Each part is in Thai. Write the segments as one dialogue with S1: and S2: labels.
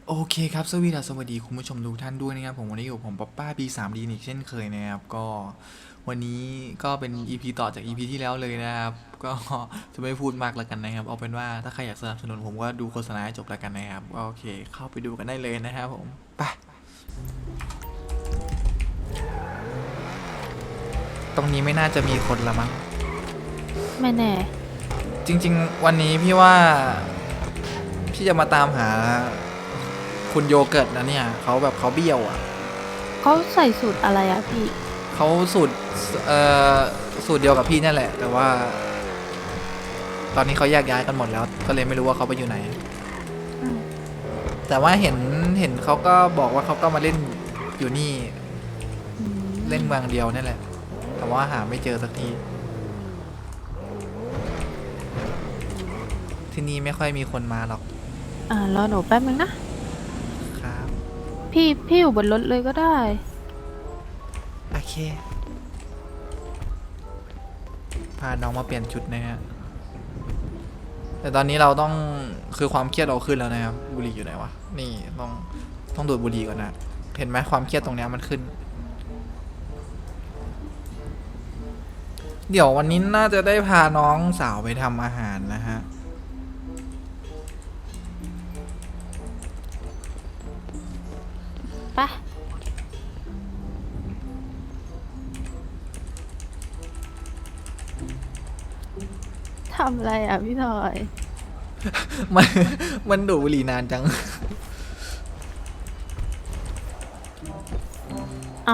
S1: โอเคครับสวัสดีคุณผู้ชมทุกท่านด้วยนะครับผมวันนี้อยู่ผมป๊อปป้า B3D อีกเช่นเคยนะครับก็วันนี้ก็เป็น EP ต่อจาก EP ที่แล้วเลยนะครับก็จะไม่พูดมากแล้วกันนะครับเอาเป็นว่าถ้าใครอยากสนับสนุนผมก็ดูโฆษณาให้จบแล้วกันนะครับก็โอเคเข้าไปดูกันได้เลยนะครับผมไปตรงนี้ไม่น่าจะมีคนละมั้ง
S2: ไม่แน่
S1: จริงๆวันนี้พี่ว่าพี่จะมาตามหาคุณโยเกิร์ตนะเนี่ยเขาแบบเขาเบี้ยวอ่ะ
S2: เขาใส่สูตรอะไรอะพี่
S1: เขาเอ่อสูตรเดียวกับพี่นั่นแหละแต่ว่าตอนนี้เขาแยกย้ายกันหมดแล้วก็เลยไม่รู้ว่าเขาไปอยู่ไหน
S2: อืม
S1: แต่ว่าเห็นเขาก็บอกว่าเขาก็มาเล่นอยู่นี่
S2: อื
S1: เล่น
S2: ม
S1: เมืองเดียวนั่นแหละแต่ว่าหาไม่เจอสักทีที่นี่ไม่ค่อยมีคนมาหรอก
S2: รอหนูแป๊บนึงนะ
S1: ครับ
S2: พี่อยู่บนรถเลยก็ได้
S1: โอเคพาน้องมาเปลี่ยนชุดนะฮะแต่ตอนนี้เราต้องคือความเครียดเราขึ้นแล้วนะครับบุหรี่อยู่ไหนวะนี่ต้องดูดบุหรี่ก่อนนะเห็นไหมความเครียดตรงเนี้ยมันขึ้น เดี๋ยววันนี้น่าจะได้พาน้องสาวไปทำอาหารนะฮะ
S2: ไป ทำอะไรอะพี่ทอย
S1: มันมันดูดบุหรี่นานจัง
S2: เอา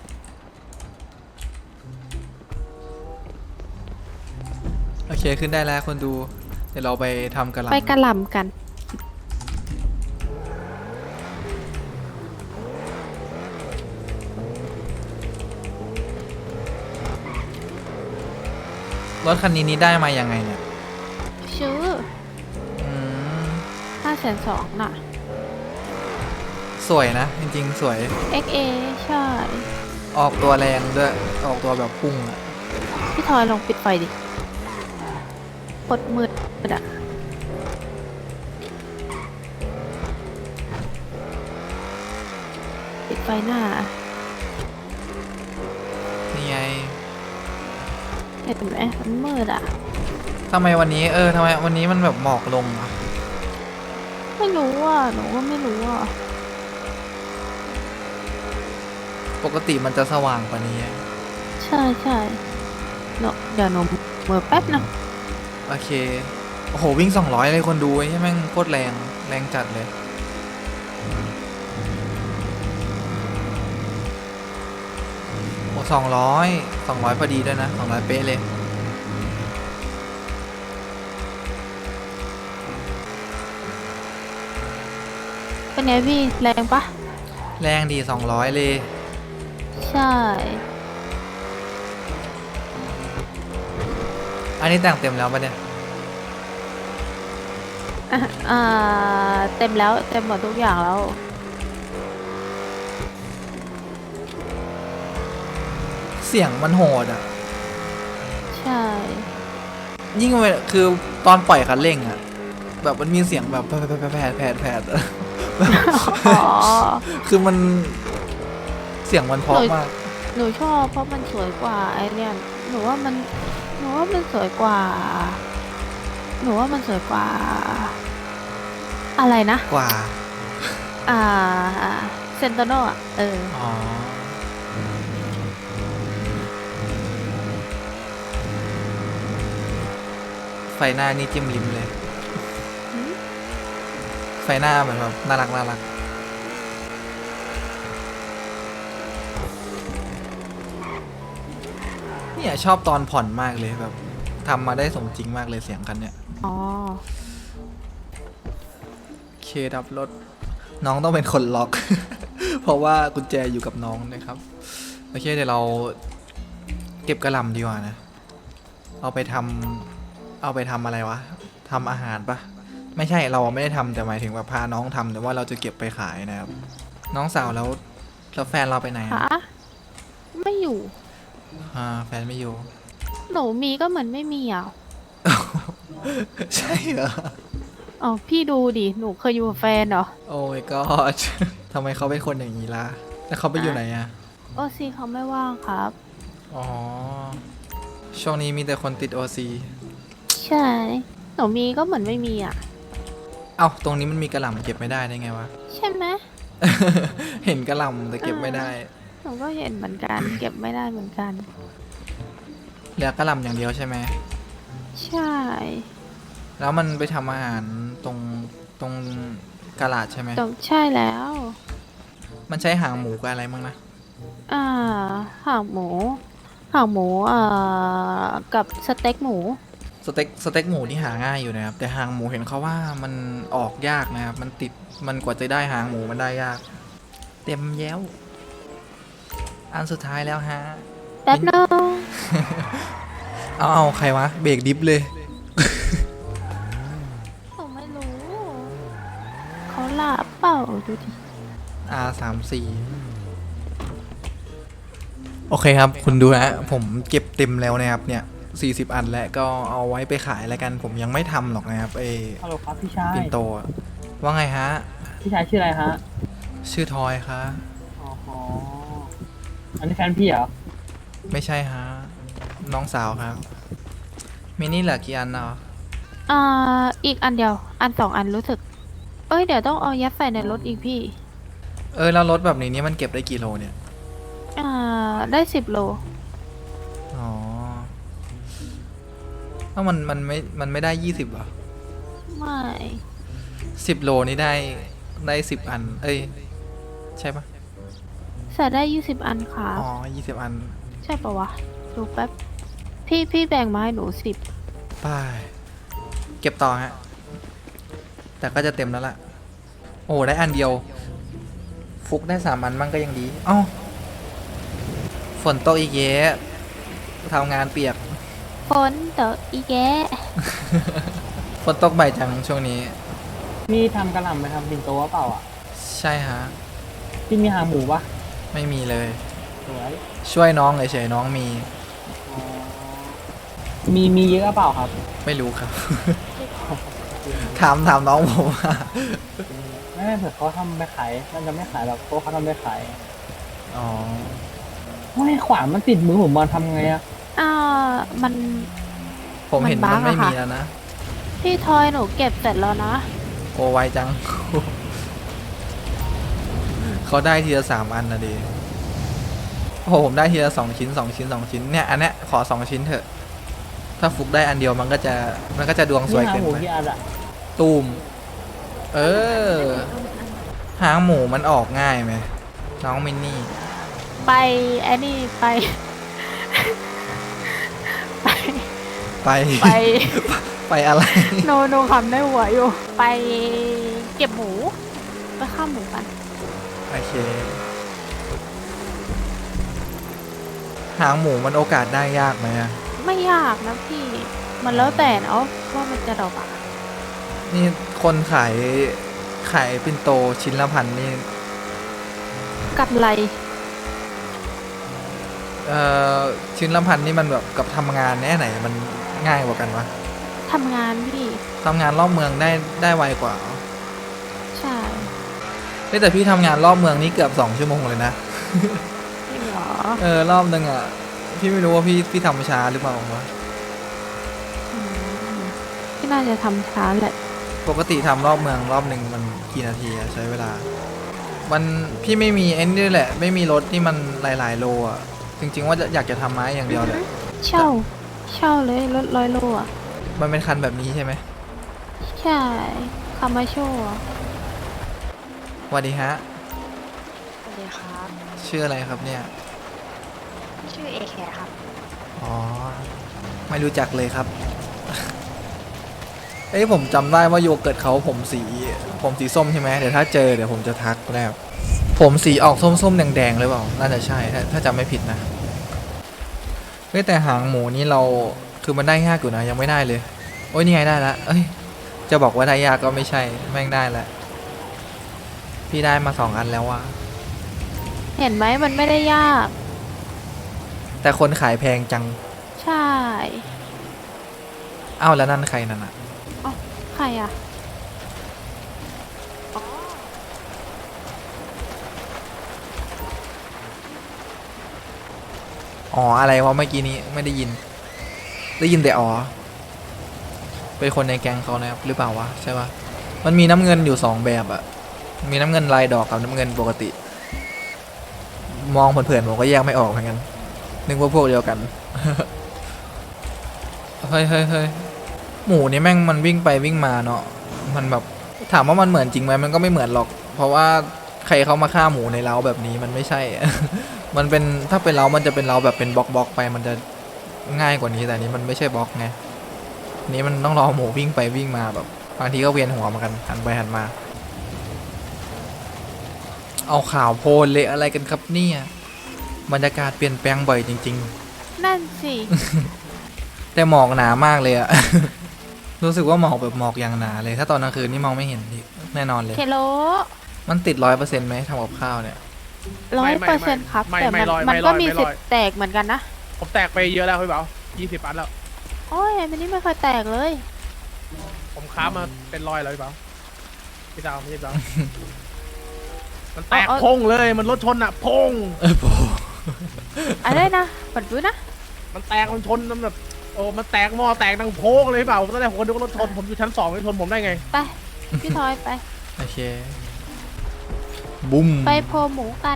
S1: โอเคขึ้นได้แล้วคนดู เดี๋ยวเราไปทำกระห
S2: ไป
S1: ล่ำ
S2: กระหล่ำกัน
S1: รถคันนี้ได้มายังไงเนี่ย
S2: ชื่อ
S1: อืม
S2: 520,000น่ะ
S1: สวยนะ จริงๆ สวย
S2: XA ใช่
S1: ออกตัวแรงด้วยออกตัวแบบพุ่งอะ
S2: พี่ทอยลองปิดไฟดิกดมืดอะปิดไฟหน้า
S1: นี่ไง
S2: เห็นไหมมันมืดอะ
S1: ทำไมวันนี้ทำไมวันนี้มันแบบหมอกลงอะ
S2: ไม่รู้อ่ะหนูก็ไม่รู้อ่ะ
S1: ปกติมันจะสว่างกว่านี้
S2: ใช่ใช่เดี๋ยวหนูเมื่อแป๊บนะ
S1: โอเค โอ้โหวิ่ง200เลยคนดูใช่ไหมงโคตรแรงแรงจัดเลย โอ้200พอดีด้วยนะ200เป๊ะเลย
S2: เป็นไงพี่แรงปะ
S1: แรงดี200เลย
S2: ใช่
S1: อันนี้แต่งเต็มแล้วปะเนี่ย
S2: อ่ะเต็มแล้วเต็มหมดทุกอย่างแล้ว
S1: เสียงมันโหดอ่ะ
S2: ใช่
S1: ยิ่งเวลาคือตอนปล่อยคันเร่งอ่ะแบบมันมีเสียงแบบแผดอะ
S2: อ๋อ
S1: คือมันเสียงมันเพ
S2: หนู
S1: ราะมาก
S2: หนูชอบเพราะมันสวยกว่าไอเนี่ยหนูว่ามันหนูว่ามันสวยกว่าหนูว่ามันสวยกว่าอะไรนะ
S1: กว่า
S2: อ่าเซนโตโนอ่ะ
S1: อ๋อไฟหน้านี่จิ้มลิ้มเลย
S2: หืม
S1: ไฟหน้าเหมือนแบบน่ารักเนี่ยชอบตอนผ่อนมากเลยแบบทำมาได้สมจริงมากเลยเสียงคันเนี่ย
S2: อ๋อ
S1: เคดับรถน้องต้องเป็นคนล็อก เพราะว่ากุญแจอยู่กับน้องนะครับโอเคเดี๋ยวเราเก็บกระหล่ำดีกว่านะเอาไปทำอะไรวะทำอาหารปะไม่ใช่เราไม่ได้ทำแต่หมายถึงว่าพาน้องทำแต่ว่าเราจะเก็บไปขายนะครับน้องสาวแล้วแฟนเราไปไหนอะ
S2: ฮะไม่อยู่
S1: แฟนไม่อยู่
S2: หนูมีก็เหมือนไม่มีอ่ะ
S1: ใช่เหรอ
S2: อ๋อพี่ดูดิหนูเคยอยู่กับแฟนเหรอ
S1: โอ้ my god ทำไมเขาเป็นคนอย่างนี้ล่ะแล้วเขาไปอยู่ไหนอะ
S2: โอซีเขาไม่ว่างครับ
S1: อ๋อ ช่วงนี้มีแต่คนติดโอซี
S2: ใช่หนูมีก็เหมือนไม่มีอ่ะ
S1: เอ้าตรงนี้มันมีกระหล่ำเก็บไม่ได้ได้ไงวะ
S2: ใช่ไหม
S1: เห็นกระหล่ำแต่เก็บไม่ได้
S2: หนูก็เห็นเหมือนกัน เก็บไม่ได้เหมือนกัน
S1: เหลือกระหล่ำอย่างเดียวใช่ไหม
S2: ใช่
S1: แล้วมันไปทำอาหารตรงกะลาดใช่ไหม
S2: ตรงใช่แล้ว
S1: มันใช้หางหมูกับอะไรมั้งนะ
S2: อ่าหางหมูหางหมูกับสเต็กหมู
S1: สเต็กหมูนี่หาง่ายอยู่นะครับ แต่หางหมูเห็นเขาว่ามันออกยากนะครับ มันติดมันกว่าจะได้หางหมูมันได้ยาก เต็มแย้ว อันสุดท้ายแล้วฮะ
S2: แป๊บนึง
S1: เอาใครวะ เบรกดิฟเลย
S2: หนูไม่รู้ เขาหลับเปล่าดูดิ
S1: R34 โอเคครับ คุณดูนะผมเก็บเต็มแล้วนะครับเนี่ย40 อันแล้วก็เอาไว้ไปขายแล้วกัน ผมยังไม่ทำหรอกนะครับ
S3: ฮัลโหลครับพี่ชาย
S1: ปิ่นโตอะว่าไงฮะ
S3: พี่ชายชื่ออะไรฮะ
S1: ชื่อทอยคะ
S3: อ๋ออันนี้แฟนพี่เหรอ
S1: ไม่ใช่ฮะ น้องสาวครับ มินี่เหลือกี่อันเนาะ
S2: อีกอันเดียว อันสองอันรู้สึก เอ้ยเดี๋ยวต้องเอายัดใส่ในรถอีกพี่
S1: แล้วรถแบบนี้มันเก็บได้กี่โลเนี่ย
S2: ได้10 โล
S1: อ๋อแล้วมันไม่ได้20เหรอ
S2: ไม่
S1: 10 โลนี่ได้10 อัน ใช่ปะ
S2: ใส่ได้20 อันครับ
S1: อ๋อ20 อัน
S2: ใช่ปะวะ ดูแป๊บ พี่แบ่งมาให้หนู10
S1: ไปเก็บต่อฮะ แต่ก็จะเต็มแล้วล่ะ โอ้ได้อันเดียว ฟุกได้3 อันมั่งก็ยังดีอ้าวฝนตกอีกเยอะทำงานเปียก
S2: ฝนตกอีแกะ
S1: ฝนตกบ่ายจังช่วงนี้
S3: พี่ทำกระหล่ำไปทำปิ่นโตวะเปล่าอ่ะ
S1: ใช่ฮะ
S3: พี่มีหางหมูปะ
S1: ไม่มีเลย
S3: สวย
S1: ช่วยน้องเฉยๆน้องมี
S3: อ๋อมีเยอะเปล่าครับ
S1: ไม่รู้ครับ ถามน้องผมว่า
S3: ไม่เผื่อเขาทำไปขายมันจะไม่ขายหรอกเพราะเขาทำไปขาย
S1: อ๋อ
S3: ไม่ขวานมันติดมือผมมาทำไงอะ
S2: มัน
S1: ผมเห็น
S2: มันบั๊
S1: มัน
S2: ก
S1: ไม่
S2: อะค่ะ
S1: มีแล้วนะ
S2: พี่ทอยหนูเก็บเสร็จแล้วนะ
S1: โอ้ไวจัง เขาได้ทีละ3 อันนะดิโอ้โหผมได้ทีละ2 ชิ้น2 ชิ้น2 ชิ้นเนี่ยอันเนี้ยขอ2 ชิ้นเถอะ ถ้าฟุกได้อันเดียวมันก็จะดวงสวย
S3: พี่หาง
S1: เกิน
S3: หมู
S1: ไป
S3: กี่อันอะ
S1: ตูมหางหมูมันออกง่ายไหมน้องมินนี่
S2: ไปไอ้นี่ไป ไป
S1: ไป
S2: ไป
S1: ไปอะไร
S2: โนคำได้หัวอยู่ ไปเก็บหมู ไปข้าหมูกัน
S1: โอเค หางหมูมันโอกาสได้ยากไหมอะ
S2: ไม่ยากนะพี่ มันแล้วแต่เนาะว่ามันจะดอกอะ
S1: นี่คนขายปิ่นโตชิ้นละ1,000นี่
S2: กัดไหล
S1: ชิ้นละ1,000นี่มันแบบกับทำงานแน่ไหนมันง่ายกว่ากันวะ
S2: ทำงานพี่
S1: ทำงานรอบเมืองได้ไวกว่าเหรอ
S2: ใช่
S1: เฮ้ยแต่พี่ทำงานรอบเมืองนี่เกือบ2 ชั่วโมงเลยนะ
S2: จริงเหรอ
S1: รอบนึงอ่ะ พี่ไม่รู้ว่าพี่ทำช้าหรือเปล่าวะ
S2: อืมพี่น่าจะทำช้าแหละ
S1: ปกติทำรอบเมืองรอบหนึ่งมันกี่นาทีอะใช้เวลา มันพี่ไม่มีไอ้นี่แหละ ไม่มีรถที่มันหลายๆโลอ่ะ จริง ๆ ว่าอยากจะทำไม้อย่างเดียวเลย
S2: เช่าเลยรถ100 โลอ่ะ
S1: มันเป็นคันแบบนี้ใช่ไหม
S2: ใช่คามาโชว์
S1: สวัสดีฮะ
S4: สวัสดีครับ
S1: ชื่ออะไรครับเนี่ย
S4: ชื่อเอแคครับ
S1: อ๋อ ไม่รู้จักเลยครับ ผมจำได้ว่าโยเกิร์ตเขาผมสีส้มใช่ไหมเดี๋ยวถ้าเจอเดี๋ยวผมจะทักแล้วผมสีออกส้มๆแดงๆเลยเปล่าน่าจะใช่ถ้าจำไม่ผิดนะแต่หางหมูนี่เราคือมันได้ยากอยู่นะยังไม่ได้เลย โอ้ยนี่ไงได้ละจะบอกว่าได้ยากก็ไม่ใช่แม่งได้แล้วพี่ได้มา2 อันแล้วว่ะ
S2: เห็นไหมมันไม่ได้ยาก
S1: แต่คนขายแพงจัง
S2: ใช่
S1: อ้าวแล้วนั่นใครนั่นอ่ะ
S2: ใครอ่ะ
S1: อ๋ออะไรวะเมื่อกี้นี้ไม่ได้ยิน ได้ยินแต่อ๋อเป็นคนในแก๊งเขานะครับหรือเปล่าวะใช่ปะมันมีน้ำเงินอยู่สองแบบอะมีน้ำเงินลายดอกกับน้ำเงินปกติ มองเผินๆผมก็แยกไม่ออกเหมือนกันนึกว่าพวกเดียวกัน เฮ้ยเฮ้ยเฮ้ยหมูนี่แม่งมันวิ่งไปวิ่งมาเนาะมันแบบถามว่ามันเหมือนจริงไหมมันก็ไม่เหมือนหรอก เพราะว่าใครเขามาฆ่าหมูในเล้าแบบนี้มันไม่ใช่ มันเป็นถ้าเป็นเล้ามันจะเป็นเล้าแบบเป็นบล็อกไปมันจะง่ายกว่านี้แต่อันนี้มันไม่ใช่บล็อกไงอันนี้มันต้องรอหมูวิ่งไปวิ่งมาแบบบางทีก็เวียนหัวเหมือนกันหันไปหันมา เอาข่าวโพลเละอะไรกันครับเนี่ยบรรยากาศเปลี่ยนแปลงบ่อยจริง
S2: นั่นสิ
S1: ๆ แต่หมอกหนามากเลยอะ รู้สึกว่าหมอกแบบหมอกอย่างหนาเลย ถ้าตอนกลางคืนนี่มองไม่เห็นอีกแน่นอนเลย
S2: เคโล
S1: มันติด100%ไหมทำกับข้าวเนี่ย
S2: 100%ครับ
S5: ไม่
S2: แต่
S5: ไม่ร้อย
S2: มัน
S5: ไม่ร้
S2: ก็
S5: อย
S2: มี
S5: ไม่
S2: สิ
S5: ร้
S2: ท
S5: อย
S2: ธิ์แตกเหมือนกันนะ
S5: ผมแตกไปเยอะแล้วพี่เบา20 อันแล้ว
S2: โอ้ยมันนี่ไม่เคยแตกเลย
S5: ผมค้ามาเป็นร้อยแล้วพี่เบาพี่ดาวพี่ดาวมันแตก
S2: เอา
S5: พงเลยมันรถชนอะพง
S1: โอ้
S2: อะไรนะปัดดูนะ
S5: มันแตกมันชนมันแบบโอ้มันแตกหม้อแตกดังโพงเลยพี่เบาตอนแรกผมก็นึกว่ารถชนผมอยู่ชั้น2ไม่ชนผมได้ไง
S2: ไป พี่ทอยไป
S1: โอเค บุ้ม
S2: ไปโพหมูกัน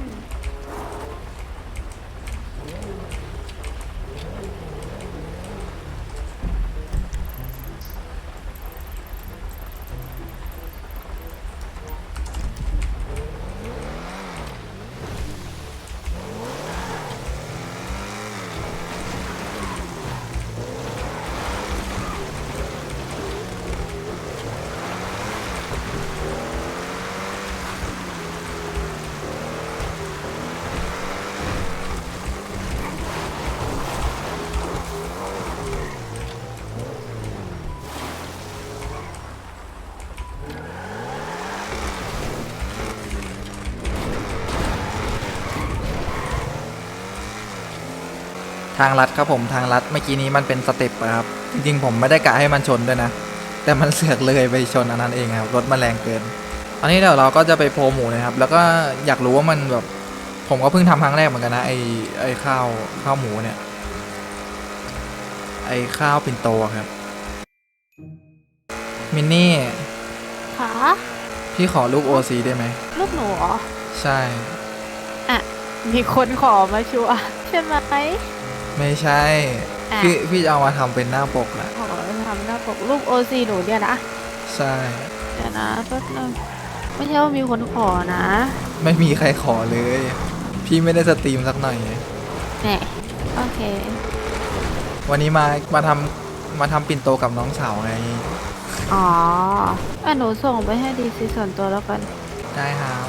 S1: ทางลัดครับผมทางลัดเมื่อกี้นี้มันเป็นสเต็ปอะครับ จริงๆผมไม่ได้กะให้มันชนด้วยนะ แต่มันเสือกเลยไปชนอันนั้นเองครับรถมันแรงเกิน อันนี้เดี๋ยวเราก็จะไปโพลหมูนะครับ แล้วก็อยากรู้ว่ามันแบบ ผมก็เพิ่งทำครั้งแรกเหมือนกันนะไอข้าวหมูเนี่ย ไอข้าวปิ่นโตอะครับ มินนี่
S2: ขา
S1: พี่ขอรูป OC ได้ไหม
S2: ลูกหนูเหรอ
S1: ใช่
S2: มีคนขอมาชัวร์ใช่ไหม
S1: ไม่ใช่
S2: อ่ะ
S1: พี่จะเอามาทำเป็นหน้าปกนะ
S2: ขอทำหน้าปกรูปโอซีหนูเนี่ยนะ
S1: ใช่
S2: เดี๋ยวนะแป๊บนึงไม่ใช่ว่ามีคนขอนะ
S1: ไม่มีใครขอเลย พี่ไม่ได้สตรีมสักหน่อย
S2: แหน่โอเค
S1: วันนี้มาทำปิ่นโตกับน้องสาวไง
S2: อ๋อหนูส่งไปให้ดีซีส่วนตัวแล้วกัน
S1: ได้ครับ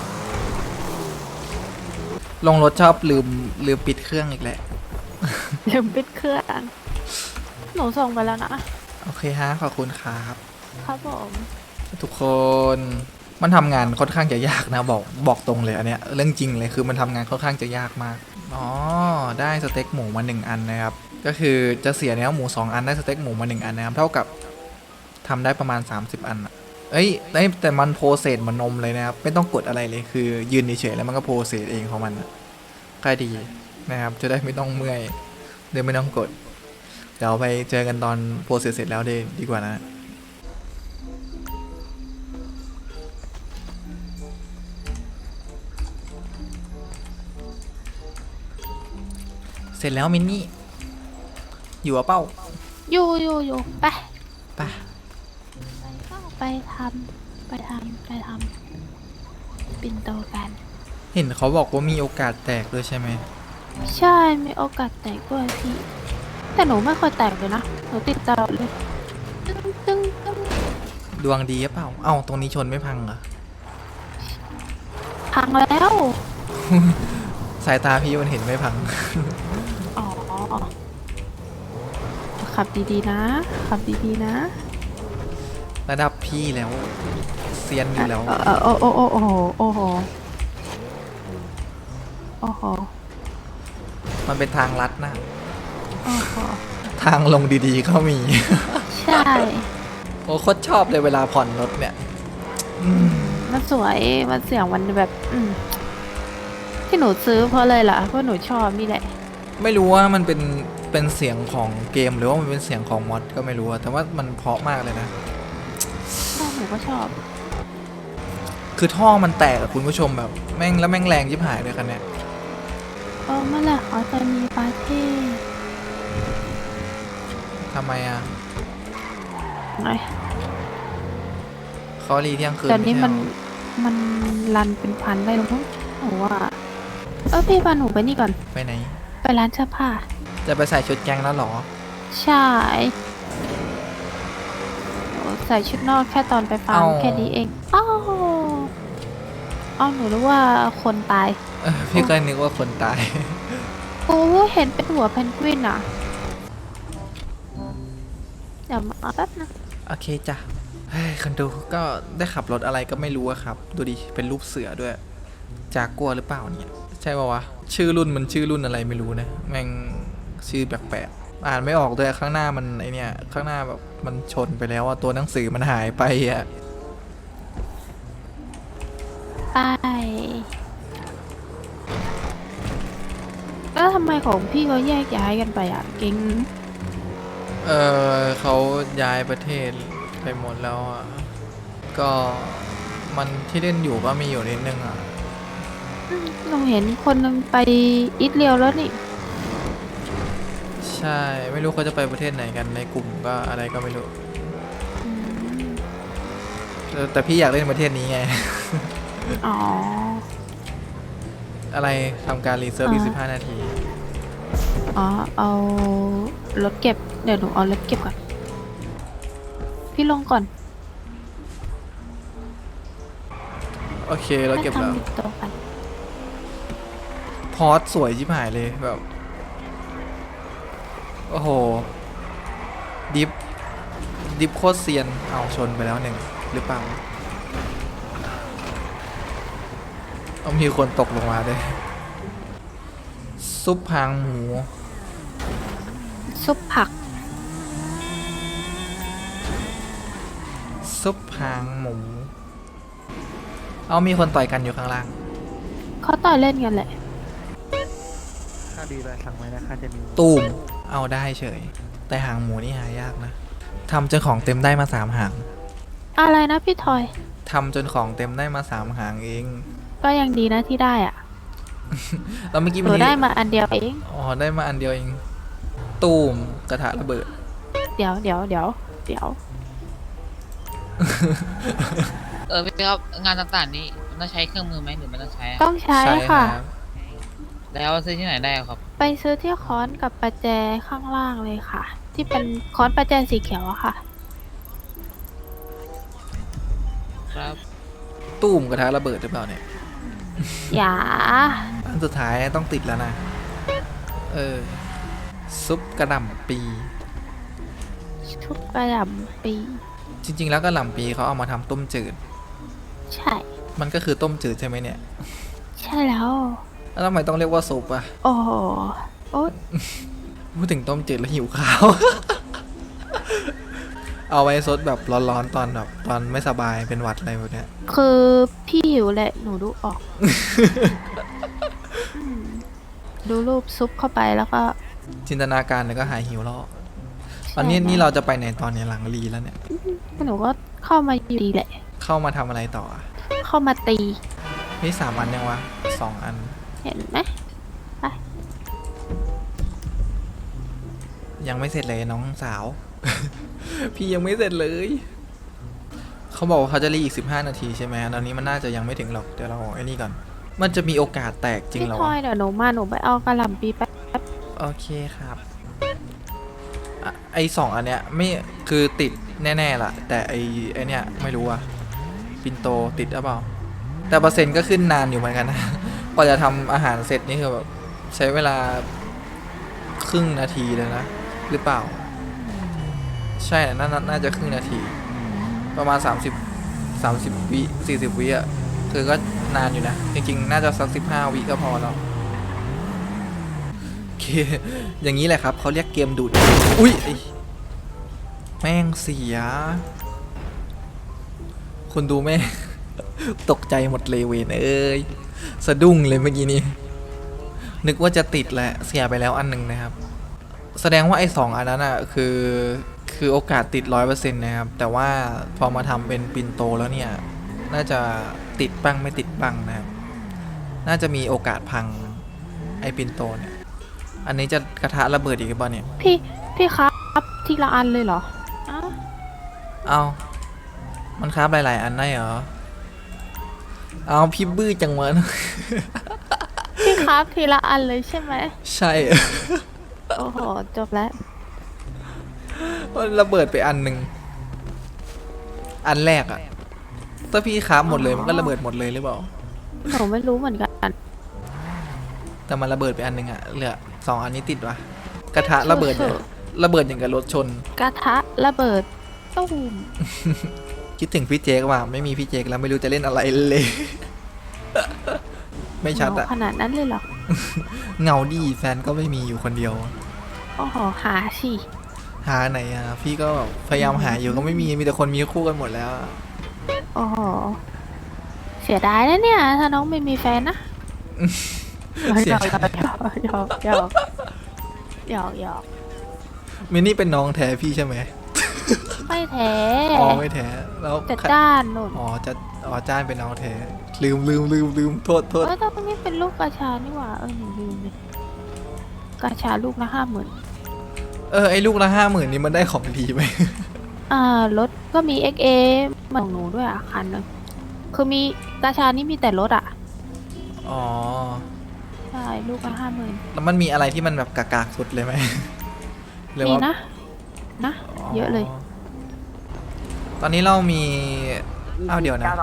S1: ลงรถชอบลืมปิดเครื่องอีกแหละ
S2: ลืมปิดเครื่อง หนูส่งไปแล้วนะ
S1: โอเคฮะขอบคุณครับ
S2: ครับผม
S1: ทุกคนมันทำงานค่อนข้างจะยากนะบอกตรงเลยอันเนี้ยเรื่องจริงเลยคือมันทำงานค่อนข้างจะยากมากอ๋อได้สเต็กหมูมา1อันนะครับก็คือจะเสียเนื้อหมู2อันได้สเต็กหมูมา1อันนะครับเท่ากับทำได้ประมาณ30อันอะเอ้ยแต่มันโปรเซสเหมือนนมเลยนะครับไม่ต้องกดอะไรเลยคือยืนเฉยๆแล้วมันก็โปรเซสเองของมันอะใกล้ดีนะครับจะได้ไม่ต้องเมื่อยเดี๋ยวไม่ต้องกดเดี๋ยวไปเจอกันตอนโปรเซสเสร็จแล้วดีกว่านะ เสร็จแล้วมินนี่ อยู่อะเป้า
S2: อยู่ไป
S1: ไป
S2: ไปทำปิ่นโตกัน
S1: เห็นเขาบอกว่ามีโอกาสแตกด้วยใช่ไหม
S2: ใช่มีโอกาสแตกด้วยพี่ แต่หนูไม่เคยแตกเลยนะ หนูติดตลอดเลย ตึ้ง
S1: ดวงดีหรือเปล่า เอ้าตรงนี้ชนไม่พังเหรอ
S2: พังแล้ว
S1: สายตาพี่มันเห็นไม่พัง
S2: อ๋อ ขับดีๆนะ ขับดีๆนะ
S1: ระดับพี่แล้วเซียนอยู่แล้ว
S2: โอ้โหโอ้โห
S1: มันเป็นทางลัดนะ
S2: โอ้โห
S1: ทางลงดีๆก็มี
S2: ใช่
S1: โอ้โคตรชอบเลยเวลาผ่อนรถเนี่ยอืม
S2: มันสวย มันเสียงมันแบบ ที่หนูซื้อเพราะเลยล่ะ เพราะหนูชอบนี่แหละ
S1: ไม่รู้ว่ามันเป็นเสียงของเกมหรือว่ามันเป็นเสียงของมอดก็ไม่รู้อะแต่ว่ามันเพราะมากเลยนะ
S2: หนูก็ชอบ
S1: คือท่อมันแตกอะคุณผู้ชมแบบแม่งแล้วแม่งแรงยิบหายเลยคันเนี้ย
S2: เมื่อไหร่เขาจะมีปาร์ตี้
S1: ทำไมอะ
S2: ไหน
S1: เขารีเที่ยงคืน
S2: ตอนนี้
S1: ไใช่
S2: มัน
S1: เหรอ
S2: มันรันเป็นพันได้แล้วมั้งหนูว่าพี่พาหนูไปนี่ก่อน
S1: ไปไหน
S2: ไปร้านเสื้อผ้า
S1: จะไปใส่ชุดแก๊งแล้วเหรอ
S2: ใช่หนูใส่ชุดนอกแค่ตอนไปฟาร์ม
S1: เอ้า
S2: แค่นี้เองอ้าวหนูรู้ว่าคนตาย
S1: พี่ก็นึกว่าคนตาย
S2: โอ้เห็นเป็นหัวเพนกวินอ่ะเดี๋ยวมาแป๊บนะ
S1: โอเคจ้ะเฮ้ยคนดูก็ได้ขับรถอะไรก็ไม่รู้อะครับ ดูดิ เป็นรูปเสือด้วย จากกลัวหรือเปล่าเนี่ย ใช่ป่าวะ ชื่อรุ่นมันชื่อรุ่นอะไรไม่รู้นะ แม่งชื่อแปลกๆ อ่านไม่ออกด้วยข้างหน้ามันไอเนี่ย ข้างหน้าแบบมันชนไปแล้วอะตัวหนังสือมันหายไปอะ
S2: ไปแล้วทำไมของพี่เขาแยกย้ายกันไปอ่ะเก่ง
S1: เขาย้ายประเทศไปหมดแล้วอะก็มันที่เล่นอยู่ก็มีอยู่นิดนึงอะ
S2: หนูเห็นคนนึงไปอิตเลียวแล้วนี่
S1: ใช่ ไม่รู้เขาจะไปประเทศไหนกันในกลุ่มก็อะไรก็ไม่รู้
S2: อืม
S1: แต่พี่อยากเล่นประเทศนี้ไง
S2: อ๋อ
S1: อะไรทำการรีเซิร์ฟอีก15 นาที
S2: เอารถเก็บ เดี๋ยวหนูเอารถเก็บก่อน พี่ลงก่อน
S1: โอเคเราเก็บแล้ว
S2: ให้ทำติดตัวกัน
S1: พอสสวยชิบหายเลยแบบ โอ้โห ดิฟโคตรเซียน เอาชนไปแล้วหนึ่งหรือเปล่าเอามีคนตกลงมาด้วย ซุปหางหมู
S2: ซุปผัก
S1: ซุปหางหมู เอามีคนต่อยกันอยู่ข้างล่าง
S2: เขาต่อยเล่นกันแหละ
S3: ค่าดีเลยสั่งไว้นะค่าจะมี
S1: ตูมเอาได้เฉย แต่หางหมูนี่หายากนะทำจนของเต็มได้มา3 หาง
S2: อะไรนะพี่ทอย
S1: ทำจนของเต็มได้มา3 หางเอง
S2: ก็ยังดีนะที่ได้อ่ะ
S1: แล้วเมื่อกี้
S2: ห
S1: มัน
S2: นูได้มาอันเดียวเอง
S1: อ๋อได้มาอันเดียวเอง ตูมกระทะระเบิด
S2: เดี๋ยว
S6: พี่ครับงานต่างๆนี่มันต้องใช้เครื่องมือไหมหรือไม่ต้องใช้อะ
S2: ต้องใช้
S1: ใช่ค
S2: ค่ะ
S1: รับ
S6: แล้วซื้อที่ไหนได้ครับ
S2: ไปซื้อที่ค้อนกับประแจข้างล่างเลยค่ะ ที่เป็นค้อนประแจสีเขียวอะค่ะ
S6: ครับ
S1: ตูมกระทะระเบิดหรือเปล่าเนี่ย
S2: อย่า
S1: อันสุดท้ายต้องติดแล้วนะ ซุปกระหล่ำปี
S2: ทุกกระดำปี
S1: จริง ๆ แล้วกระหล่ำปีเขาเอามาทำต้มจืด
S2: ใช่
S1: มันก็คือต้มจืดใช่ไหมเนี่ย
S2: ใช่แล้ว
S1: แล้วทำไมต้องเรียกว่าซุปอะ
S2: โอ้โหโอ๊ย
S1: พูดถึงต้มจืดแล้วหิวข้าว เอาไว้ซดแบบร้อนๆตอนแบบตอนไม่สบายเป็นหวัดอะไรแบบเนี้ย
S2: คือพี่หิวแหละ หนูดูออก อืมดูรูปซุปเข้าไปแล้วก็
S1: จินตนาการแล้วก็หายหิวแล้ว
S2: ใช่
S1: ตอนนี้
S2: แล้ว
S1: นี่เราจะไปไหนตอนนี้หลังรีแล้วเนี่ย
S2: หนูก็เข้ามาอยู่ดีแหละ
S1: เข้ามาทำอะไรต่ออะ
S2: เข้ามาตี
S1: นี่3 อันยังวะ2 อัน
S2: เห็นไหม
S1: ยังไม่เสร็จเลยน้องสาว พี่ยังไม่เสร็จเลย เขาบอกว่าเขาจะรีอีก15 นาทีใช่ไหมตอนนี้มันน่าจะยังไม่ถึงหรอกเดี๋ยวเราไอ้นี่ก่อน มันจะมีโอกาสแตกจริง
S2: พี่
S1: เหรอ
S2: ทอ
S1: วะ
S2: ยเดี๋ยวหนูมาหนูไปเอากระหล่ำปีแป๊บ
S1: โอเคครับอ่ะไอ2 อันเนี้ยไม่คือติดแน่ๆล่ะ แต่ไอเนี้ยไม่รู้อะปินโตติดหรือเปล่า แต่เปอร์เซ็นต์ก็ขึ้นนานอยู่เหมือนกันนะ กว่าจะทำอาหารเสร็จนี่คือแบบใช้เวลาครึ่งนาทีเลยนะ หรือเปล่า ใช่น่าจะครึ่งนาที ประมาณ30 วิ40 วิอะคือก็นานอยู่นะ จริงๆ น่าจะสัก15 วิก็พอแล้วโอเคอย่างนี้แหละครับเขาเรียกเกมดูด อุ้ยไอ้แม่งเสีย คนดูแม่ง ตกใจหมดเลยเวนเอ้ยสะดุ้งเลยเมื่อกี้นี้นึกว่าจะติดแหละเสียไปแล้วอันหนึ่งนะครับ แสดงว่าไอ้2อันนั้นอ่ะคือโอกาสติด 100% นะครับแต่ว่าพอมาทำเป็นปินโตแล้วเนี่ยน่าจะติดบ้างไม่ติดบ้างนะครับน่าจะมีโอกาสพังไอ้ปินโตเนี่ยอันนี้จะกระทะระเบิดอีกหรือเปล่าเนี่ย
S2: พี่ครับทีละอันเลยเหรออ้าว
S1: เอามันคราบหลายๆอันได้เหรอเอาพี่บื้อจังวะ
S2: พี่ครับทีละอันเลยใช่ไหม
S1: ใช่
S2: โอ้โหจบแล้ว
S1: มันระเบิดไปอันหนึ่งอันแรกอะถ้าพี่คราบหมดเลยมันก็ระเบิดหมดเลยหรือเปล่า
S2: หนูไม่รู้เหมือนกัน
S1: แต่มันระเบิดไปอันหนึ่งอะเหลือ2อันนี้ติดวะกระทะระเบิดเนี่ยระเบิดอย่างกับรถชน
S2: กระทะระเบิดตุ้ม
S1: คิดถึงพี่เจกว่ะไม่มีพี่เจกแล้วไม่รู้จะเล่นอะไรเลย ไม่ชัดอะ
S2: ขนาดนั้นเลยเหรอ
S1: เงาดีแฟนก็ไม่มีอยู่คนเดียว
S2: โอ้โหหาสิ
S1: หาไหนอะพี่ก็พยายามหาอยู่ก็ไม่มีแต่คนมีคู่กันหมดแล้วอะ
S2: โอ้โหเสียดายนะเนี่ย ถ้าน้องไม่มีแฟนนะ
S1: เสียใจ
S2: หยอกหยอกหยอกหยอก
S1: มินนี่เป็นน้องแท้พี่ใช่ไหม
S2: ไม่แท้
S1: อ๋อไม่แท้แล้ว
S2: แต่ด้านนุ่น
S1: อ๋อจ้านเป็นน้องแท้ลืมโทษ
S2: เออตรงนี้เป็นลูกกระชานี่หว่าหนูลืมเลยกระชาลูกละ50,000
S1: ไอ้ลูกละ50,000นี่มันได้ของดีไหม
S2: รถก็มี XA เหมือนของหนูด้วยอ่ะคันนึงคือมีกระชานี่มีแต่รถอ่ะ
S1: อ๋อ
S2: ใช่ลูกละ50,000
S1: แล้วมันมีอะไรที่มันแบบกากๆสุดเลยไหม หรือ
S2: มี
S1: ว่า
S2: นะเยอะเลย
S1: ตอนนี้เรามีเอาเดี๋ยวนะ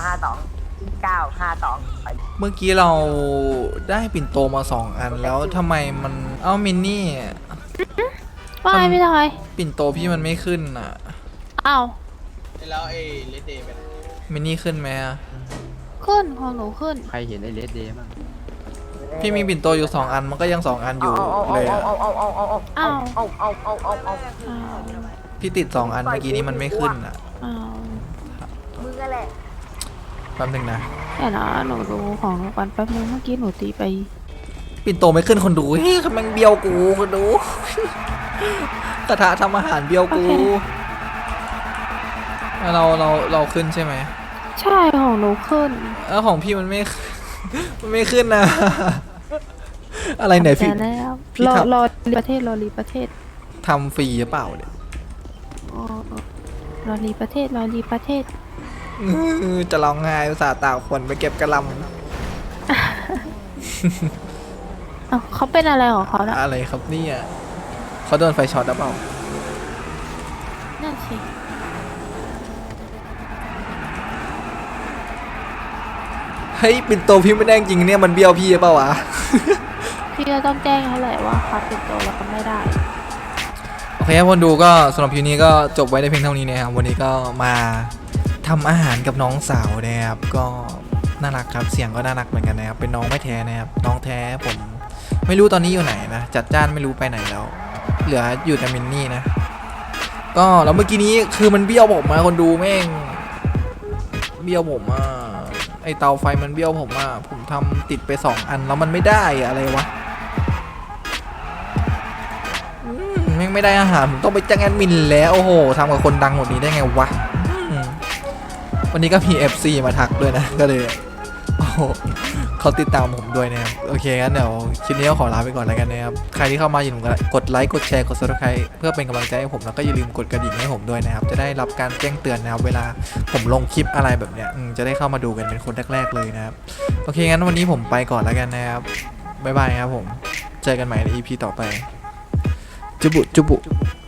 S7: 92592
S1: เมื่อกี้เราได้ปิ่นโตมา2อันแล้วทำไมมันมินนี่
S2: ว่าไงพี่ทอย
S1: ปิ่นโตพี่มันไม่ขึ้นอ่ะ
S2: อ้าว
S5: แล้วไอ้เลดเดย์เป็น
S1: มินนี่ขึ้นไหมอะ
S2: ขึ้นของหนูขึ้น
S8: ใครเห็นไอ้เลดเดย์บ้าง
S1: พี่มีปิ่นโตอยู่2อันมันก็ยัง2อันอยู่เลยอะ
S2: อ้าว
S1: พี่ติด2อันเมื่อกี้นี้มันไม่ขึ้นอ่ะ
S2: อ้าว
S7: มึงอะไร
S1: แป๊บนึงนะ
S2: แต่นะหนูดูของหนูก่อนแป๊บนึงเมื่อกี้หนูตีไป
S1: ปิ่นโตไม่ขึ้นคนดูเฮ้ยมันเบียวกูคนดู กระทะทำอาหารเบียวกูเราขึ้นใช่ไหม
S2: ใช่ของหนูขึ้น
S1: แล้วของพี่มันไม่ มันไม่ขึ้นนะ อะไรไหนพี่
S2: แต่แล้ว
S1: พี่
S2: รอ
S1: ทำ
S2: รอรีประเทศรอรีประเทศ
S1: ทำฟรีหรือเปล่าเนี่ย
S2: อ๋อรอรีประเทศรอรีประเทศ
S1: จะร้องไห้อุตส่าห์ตากฝนไปเก็บกระหล
S2: อ้าวเขาเป็นอะไรของเขานะ
S1: ำอะไรครับเนี่ยเขาโดนไฟช็อตหรือเปล่า
S2: นั่นสิ
S1: เฮ้ยปิ่นโตพี่ไม่ได้จริงเนี่ยมันเบี้ยวพี่หรือเปล่าวะ
S2: พี่ก็ต้องแจ้งเขาแหละว่าคัดเป็นตัวแล้วก็ไม่ได้
S1: โอเคครับคนดูก็สำหรับคลิปนี้ก็จบไว้ในเพียงเท่านี้นะครับวันนี้ก็มาทำอาหารกับน้องสาวนะครับก็น่ารักครับเสียงก็น่ารักเหมือนกันนะครับเป็นน้องไม่แท้นะครับน้องแท้ผมไม่รู้ตอนนี้อยู่ไหนนะจัดจ้านไม่รู้ไปไหนแล้ว เหลืออยู่แต่มินนี่นะก็แล้วเมื่อกี้นี้คือมันเบี้ยวผมมาคนดูแม่งเบี้ยวผมอ่ะไอเตาไฟมันเบี้ยวผมอ่ะผมทำติดไป2อันแล้วมันไม่ได้อะอะไรวะแม่งไม่ได้อาหารผมต้องไปจ้างแอดมินแล้วโอ้โหทำกับคนดังหมดนี้ได้ไงวะวันนี้ก็มี FC มาทักด้วยนะก็เลยโอ้โหเขาติดตามผมด้วยนะครับโอเคงั้นเดี๋ยวคลิปนี้ก็ขอลาไปก่อนแล้วกันนะครับใครที่เข้ามาอย่าลืมกดไลค์กดแชร์กด Subscribe เพื่อเป็นกำลังใจให้ผมแล้วก็อย่าลืมกดกระดิ่งให้ผมด้วยนะครับจะได้รับการแจ้งเตือนนะครับเวลาผมลงคลิปอะไรแบบเนี้ยจะได้เข้ามาดูกันเป็นคนแรกๆเลยนะครับโอเคงั้นวันนี้ผมไปก่อนแล้วกันนะครับบ๊ายบายครับผมเจอกันใหม่ใน EP ต่อไปจุบุ